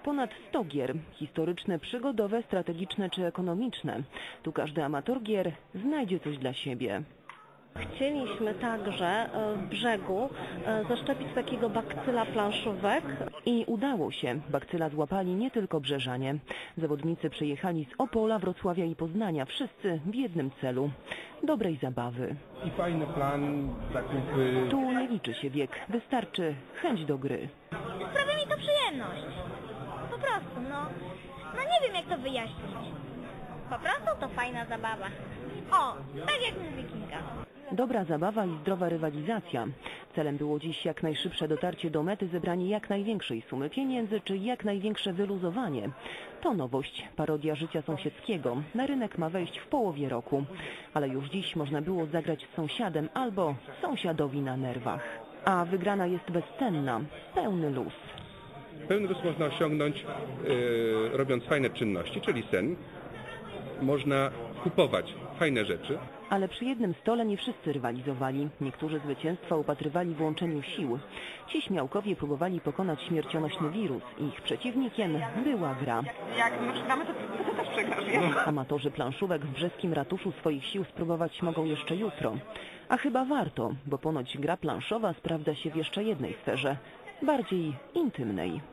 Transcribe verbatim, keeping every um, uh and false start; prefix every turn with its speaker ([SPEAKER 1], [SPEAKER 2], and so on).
[SPEAKER 1] Ponad sto gier, historyczne, przygodowe, strategiczne czy ekonomiczne. Tu każdy amator gier znajdzie coś dla siebie.
[SPEAKER 2] Chcieliśmy także w brzegu zaszczepić takiego bakcyla planszówek.
[SPEAKER 1] I udało się. Bakcyla złapali nie tylko brzeżanie. Zawodnicy przyjechali z Opola, Wrocławia i Poznania. Wszyscy w jednym celu. Dobrej zabawy.
[SPEAKER 3] I fajny plan, zakupy.
[SPEAKER 1] Tu nie liczy się wiek. Wystarczy chęć do gry.
[SPEAKER 4] Sprawia mi to przyjemność. Po prostu, no. No nie wiem jak to wyjaśnić. Po prostu to fajna zabawa. O, tak jak mówi Kinga.
[SPEAKER 1] Dobra zabawa i zdrowa rywalizacja. Celem było dziś jak najszybsze dotarcie do mety, zebranie jak największej sumy pieniędzy, czy jak największe wyluzowanie. To nowość, parodia życia sąsiedzkiego. Na rynek ma wejść w połowie roku. Ale już dziś można było zagrać z sąsiadem albo sąsiadowi na nerwach. A wygrana jest bezcenna, pełny luz.
[SPEAKER 3] Pełny luz można osiągnąć yy, robiąc fajne czynności, czyli sen. Można kupować fajne rzeczy.
[SPEAKER 1] Ale przy jednym stole nie wszyscy rywalizowali. Niektórzy zwycięstwa upatrywali w łączeniu sił. Ci śmiałkowie próbowali pokonać śmiercionośny wirus. Ich przeciwnikiem była gra.
[SPEAKER 5] Jak my przegramy, to ty też przegrasz, wiesz?
[SPEAKER 1] Amatorzy planszówek w brzeskim ratuszu swoich sił spróbować mogą jeszcze jutro. A chyba warto, bo ponoć gra planszowa sprawdza się w jeszcze jednej sferze, bardziej intymnej.